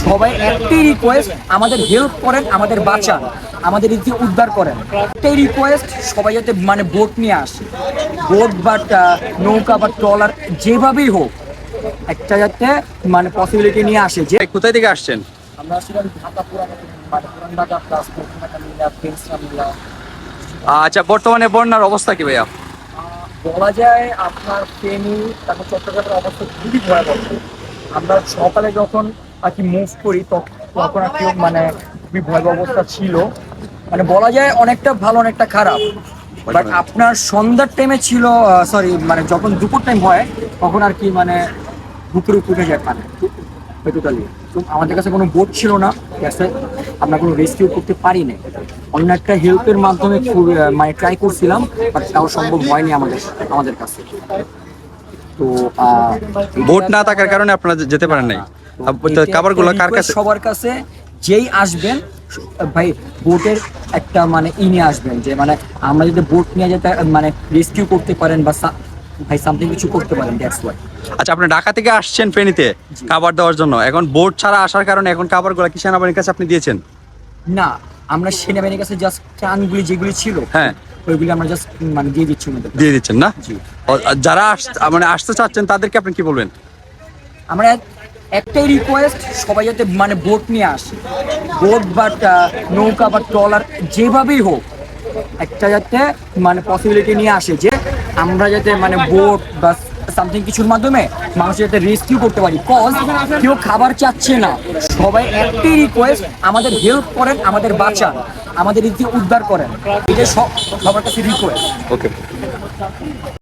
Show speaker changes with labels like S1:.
S1: সবাই একটাই রিকোয়েস্ট, আমাদের হেল্প করেন, আমাদের বাঁচান, আমাদের রীতি উদ্ধার করেন। একটাই রিকোয়েস্ট, সবাই যাতে মানে বোট নিয়ে আসে, বোট বা নৌকা বা ট্রলার যেভাবেই হোক, একটা যাতে মানে পসিবিলিটি নিয়ে আসে যে
S2: কোথায় থেকে আসছেন?
S1: আমরা আসলে ঢাকা পুরান ঢাকা প্লাস ফ্রেন্ডসরা মিলা।
S2: আচ্ছা, বর্তমানে বন্যার অবস্থা কি ভাইয়া?
S1: বলা যায় আপনার ফেনী তারপর চট্টগ্রামের অবস্থা খুবই ভয়াবহ। আমরা সকালে যখন আর কি মুভ করি তখন আর কি মানে খুবই ভয়াবহ অবস্থা ছিল। মানে বলা যায় অনেকটা ভালো অনেকটা খারাপ। বাট আপনার সন্ধ্যার টাইমে ছিল, সরি মানে যখন দুপুর টাইম হয় তখন আর কি মানে বুকের উপর উঠে যায় পানি টোটালি। তো আমাদের কাছে কোনো বোট ছিল না, গ্যাসে আমরা কোনো রেস্কিউ করতে পারি না। অন্য একটা হেল্পের মাধ্যমে মানে ট্রাই করছিলাম, বাট তাও সম্ভব হয়নি আমাদের আমাদের কাছে। তো
S2: বোট না থাকার কারণে আপনারা যেতে পারেন নাই। খাবারগুলো কার কাছে?
S1: সবার কাছে যেই আসবেন ভাই বোটের একটা মানে নিয়ে আসবেন, যে মানে আমরা যদি বোট নিয়ে যেতে মানে রেস্কিউ করতে পারেন বা ভাই সামথিং কিছু করতে পারেন, দ্যাটস ওয়াই।
S2: আচ্ছা, আপনি ঢাকা থেকে আসছেন ফেনীতে খাবার দেওয়ার জন্য, এখন বোট ছাড়া আসার কারণে এখন খাবারগুলো কি সেনাবাহিনীর কাছে আপনি দিয়েছেন?
S1: না, আমরা সেনাবাহিনীর কাছে জাস্ট ত্রাণগুলি যেগুলি ছিল,
S2: হ্যাঁ,
S1: ওইগুলি আমরা জাস্ট মানে দিয়ে দিচ্ছি ওনাদের।
S2: দিয়ে দিচ্ছেন না?
S1: জি।
S2: যারা মানে আসতে চাচ্ছেন তাদেরকে আপনি কি বলবেন?
S1: আমরা একটাই রিকোয়েস্ট, সবাই যাতে মানে বোট নিয়ে আসে, বোট বা নৌকা বা ট্রলার যেভাবেই হোক, একটা যাতে মানে পসিবিলিটি নিয়ে আসে যে আমরা যাতে মানে বোট বা সামথিং কিছুর মাধ্যমে মানুষ যাতে রেস্কিউ করতে পারি। কজ কেউ খাবার চাচ্ছে না, সবাই একটাই রিকোয়েস্ট, আমাদের হেল্প করেন, আমাদের বাঁচান, আমাদের রীতি উদ্ধার করেন, এটা সবার কাছে রিকোয়েস্ট।
S2: ওকে।